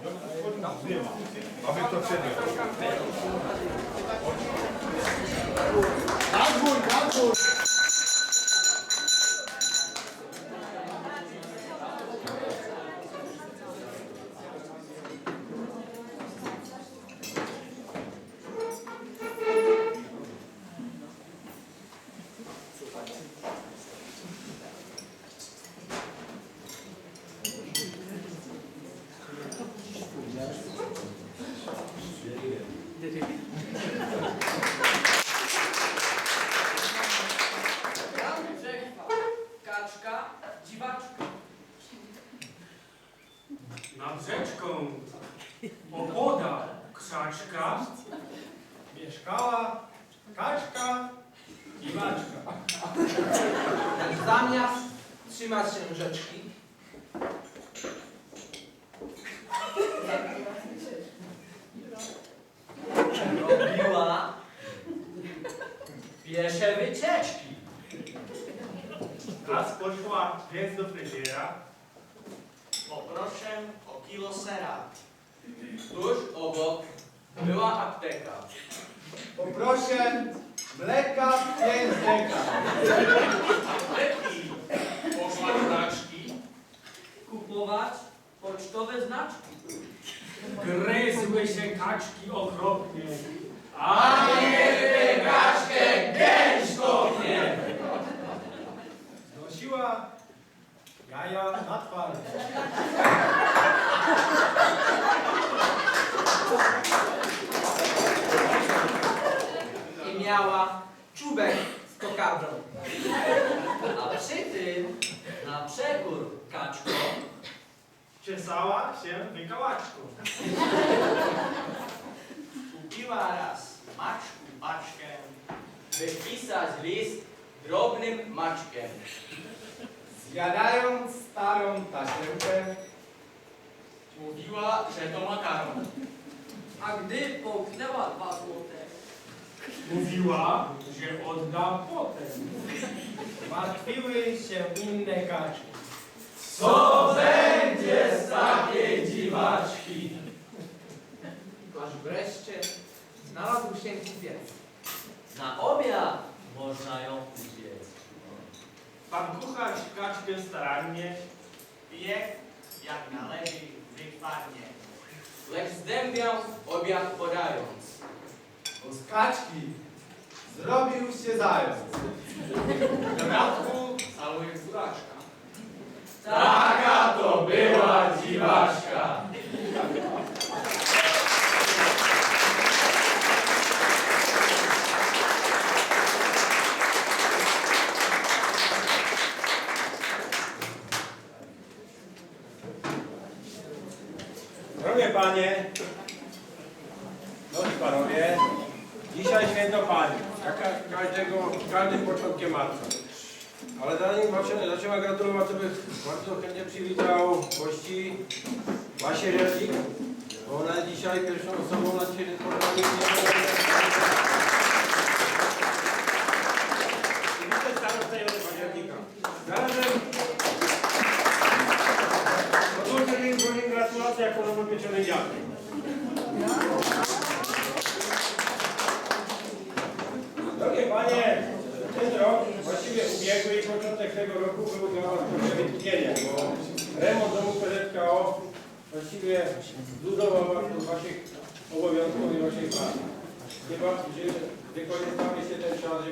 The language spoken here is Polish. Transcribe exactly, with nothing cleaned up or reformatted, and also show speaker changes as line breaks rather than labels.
Aby to przebiegł.
Na dwór, na dwór!
Kaczka, dziwaczka.
Nad rzeczką opodal krzaczka mieszkała kaczka i maczka.
Zamiast trzymać się rzeczki, robiła piesze wycieczki.
Raz poszła więc do fryzjera.
Poproszę o kilo sera. Tuż obok była apteka.
Poproszę mleka pięć deka.
Apteki poszła do znaczki kupować pocztowe znaczki.
Gryzły się kaczki okropnie.
A nie tę kaczkę gęś kopnie.
Znosiła jaja na twarz.
I miała czubek z kokardą. A przy tym, na przekór kaczko,
Czesała się wykałaczką.
kupiła raz maczku paczkę, wypisać list drobnym maczkiem.
Zjadając starą tasiemkę,
Mówiła, że to makaron. A gdy połknęła dwa złote,
Mówiła, że odda potem. Martwiły się inne kaczki.
co będzie z takiej dziwaczki? Aż wreszcie znalazł się kupiec. Na obiad można ją upiec.
Pan kucharz kaczkę starannie
Piech jak należy wykładnie. Lecz zdębiał obiad podając.
bo z kaczki zrobił się zając.
W bratku całuje furaczka. Taka to była dziwaczka.
Drogie panie, drogi panowie, dzisiaj święto pani, jak ka- każdego, każdym początkiem marca. Ale zanim zaczę- zaczęła gratulować, to bych bardzo chętnie przywitał gości Basię Rzecznik, bo ona jest dzisiaj pierwszą osobą na dzisiejszym spotkaniu. I widzę starostę Józefa Października. Zarazem podłączę im złożyć gratulacje jako nowopieczony dziadek. Drogie panie, ten rok, właściwie ubiegły i początek tego roku był dla was trochę wytchnieniem, bo remont domu P Z K O właściwie zluzował was od waszych obowiązków i waszej pracy. Chyba, że wykorzystamy się ten czas,